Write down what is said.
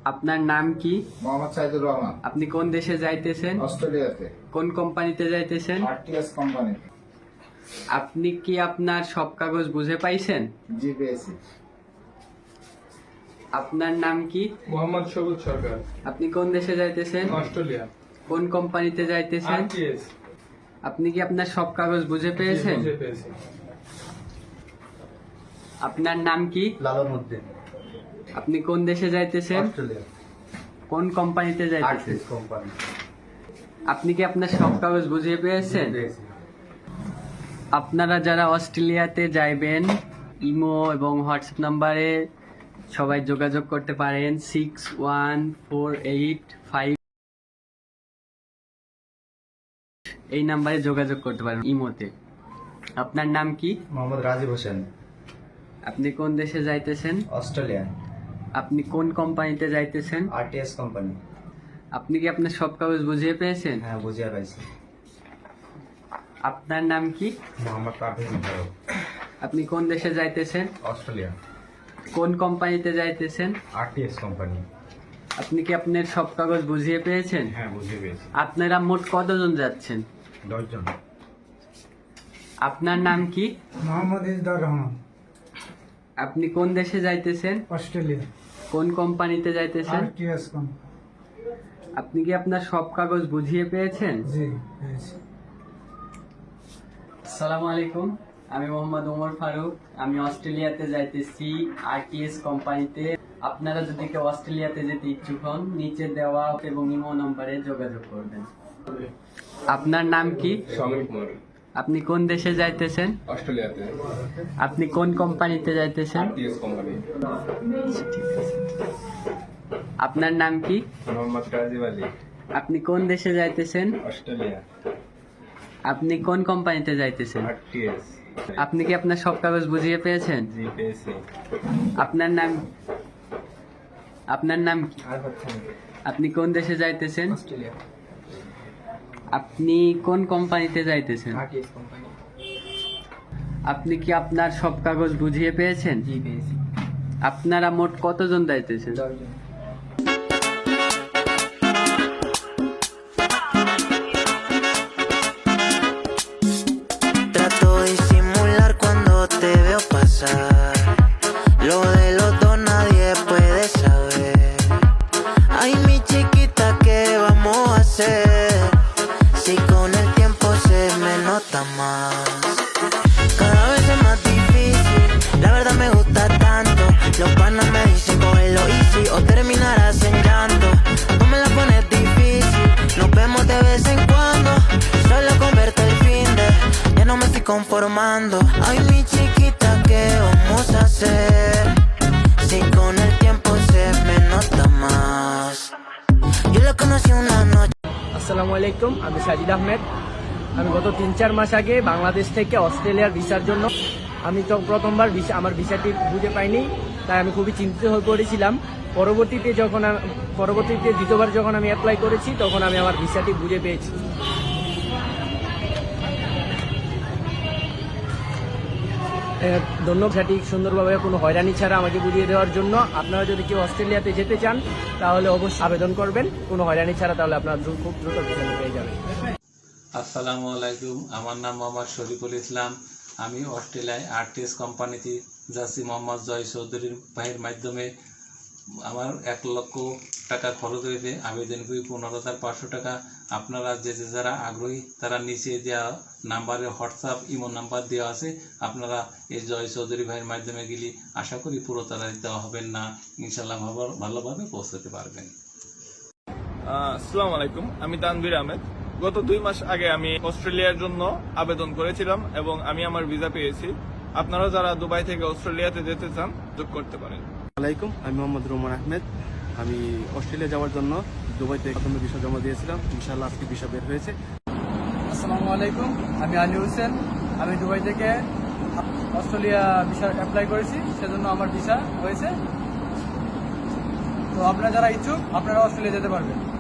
আপনার নাম কি? মোহাম্মদ সাইদুর রহমান। আপনি কোন দেশে যাইতেছেন? অস্ট্রেলিয়াতে। কোন কোম্পানিতে যাইতেছেন? RTS company. আপনি কি আপনার সব কাগজ বুঝে পাইছেন? জি পেয়েছি। আপনার নাম কি? মোহাম্মদ সবুজ সরকার। আপনি কোন দেশে যাইতেছেন? অস্ট্রেলিয়া। কোন কোম্পানিতে যাইতেছেন? আরটিএস। আপনি কি আপনার সব কাগজ বুঝে পেয়েছেন? বুঝে পেয়েছি। আপনার নাম কি? লালন উদ্দিন। আপনি কোন দেশে যাইতেছেন? অস্ট্রেলিয়া। কোন কোম্পানিতে যাইতেছেন? RTS company. আপনি কি আপনার সব কাগজ বুঝে পেয়েছেন? পেয়েছি। আপনারা যারা অস্ট্রেলিয়াতে যাইবেন, ইমো এবং হোয়াটসঅ্যাপ নাম্বারে সবাই যোগাযোগ করতে পারেন 6148 এই নাম্বারে যোগাযোগ করতে পারেন ইমোতে। আপনার নাম কি? মোহাম্মদ রাজীব হোসেন। আপনি কোন দেশে যাইতেছেন? অস্ট্রেলিয়া। আপনি কোন কোম্পানিতে যাইতেছেন? RTS company. আপনি কি আপনার সব কাগজ বুঝিয়ে পেয়েছেন? হ্যাঁ, বুঝিয়ে পাইছি। আপনার নাম কি? মোহাম্মদ পারভেজ মোশাররফ। আপনি কোন দেশে যাইতেছেন? অস্ট্রেলিয়া। কোন কোম্পানিতে যাইতেছেন? RTS company. আপনি কি আপনার সব কাগজ বুঝিয়ে পেয়েছেন? হ্যাঁ, বুঝিয়ে পেয়েছি। আপনারা মোট কতজন যাচ্ছেন? 10 জন। আপনার নাম কি? মোহাম্মদ ইজদার রহমান। আপনি কোন দেশে যাইতেছেন? অস্ট্রেলিয়া। কোন কোম্পানিতে যাইতেছেন? RTS company. আপনি কি আপনার সব কাগজ বুঝিয়ে পেয়েছেন? জি পেয়েছি। আসসালামু আলাইকুম, আমি মোহাম্মদ ওমর ফারুক। আমি অস্ট্রেলিয়াতে যাইতেছি আরটিএস কোম্পানিতে। আপনারা যদি কেউ অস্ট্রেলিয়াতে যেতে ইচ্ছুক হন, নিচে দেওয়া এবং ইমো নম্বরে যোগাযোগ করবেন। আপনার নাম কি? সমীর কুমার। আপনি কোন দেশে যাইতেছেন? অস্ট্রেলিয়াতে। আপনি কোন কোম্পানিতে যাইতেছেন? RTS company. ঠিক আছে। আপনার নাম কি? মোহাম্মদ রাজীব আলী। আপনি কোন দেশে যাইতেছেন? অস্ট্রেলিয়া। আপনি কোন কোম্পানিতে যাইতেছেন? আরটিএস। আপনি কি আপনার সব কাগজ বুঝিয়ে পেয়েছেন? জি পেয়েছি। আপনার নাম কি? আপনি কোন দেশে যাইতেছেন? অস্ট্রেলিয়া। আপনি কোন কোম্পানিতে যাইতেছেন? RTS company. আপনি কি আপনার সব কাগজ বুঝিয়ে পেয়েছেন? জি পেয়েছি। আপনারা মোট কতজন যাইতেছেন? 10 জন। Trato de disimular cuando te veo pasar. Lo de los dos nadie puede saber. Ay, mi chiquita, ¿qué vamos a hacer? Si con el tiempo se me nota más. Cada vez es más difícil, la verdad me gusta tanto. Los panas me dicen cógelo easy o terminarás en llanto. No me la pones difícil, nos vemos de vez en cuando. Solo con verte el fin de, ya no me estoy conformando. Ay, mi chiquita, ¿qué vamos a hacer? Si con el tiempo se me nota más. Yo la conocí una noche. আসসালামু আলাইকুম, আমি সাজিদ আহমেদ। আমি গত 3-4 মাস আগে বাংলাদেশ থেকে অস্ট্রেলিয়ার ভিসার জন্য আমি তো প্রথমবার আমার ভিসাটি বুঝে পাইনি, তাই আমি খুবই চিন্তিত হয়ে পড়েছিলাম। পরবর্তীতে দ্বিতীয়বার যখন আমি অ্যাপ্লাই করেছি, তখন আমি আমার ভিসাটি বুঝে পেয়েছি। ধন্যবাদ ভিসাটি সুন্দরভাবে কোনো হয়রানি ছাড়া আমাকে বুঝিয়ে দেওয়ার জন্য। আপনারা যদি কেউ অস্ট্রেলিয়াতে যেতে চান তাহলে অবশ্যই আবেদন করবেন কোনো হয়রানি ছাড়া, তাহলে আপনারা খুব দ্রুত ভিসা পেয়ে যাবেন। আসসালামু আলাইকুম, আমার নাম মোহাম্মদ শরীফুল ইসলাম। আমি অস্ট্রেলিয়ায় আরটিএস কোম্পানিতে যাচ্ছি মোহাম্মদ জয় চৌধুরীর ভাইয়ের মাধ্যমে। আমার 1 লক্ষ টাকা খরচ হয়েছে। আবেদন করি 15,500 টাকা। আপনারা যারা আগ্রহী তারা নিচে দেওয়া নাম্বারে হোয়াটসঅ্যাপ ইমো নাম্বার দেওয়া আছে, আপনারা এই জয় চৌধুরী ভাইয়ের মাধ্যমে গেলে আশা করি পুরো তাড়াতাড়ি দেওয়া হবেন না, ইনশাল্লাহ ভালোভাবে পৌঁছাতে পারবেন। আসসালামু আলাইকুম, আমি তানভীর আহমেদ। গত 2 মাস আগে আমি অস্ট্রেলিয়ার জন্য আবেদন করেছিলাম এবং আমি আমার ভিসা পেয়েছি। আপনারা যারা দুবাই থেকে অস্ট্রেলিয়াতে যেতে চান যোগ করতে পারেন। আসসালামাইকুম, আমি মোহাম্মদ রোমান আহমেদ। আমি অস্ট্রেলিয়া যাওয়ার জন্য দুবাইতে প্রথমে ভিসা জমা দিয়েছিলাম, ইনশাআল্লাহ আজকে ভিসা বের হয়েছে। আসসালামু আলাইকুম, আমি আলী হোসেন। আমি দুবাই থেকে অস্ট্রেলিয়া ভিসা অ্যাপ্লাই করেছি, সেজন্য আমার ভিসা হয়েছে। তো আপনারা যারা ইচ্ছুক আপনারা অস্ট্রেলিয়া যেতে পারবেন।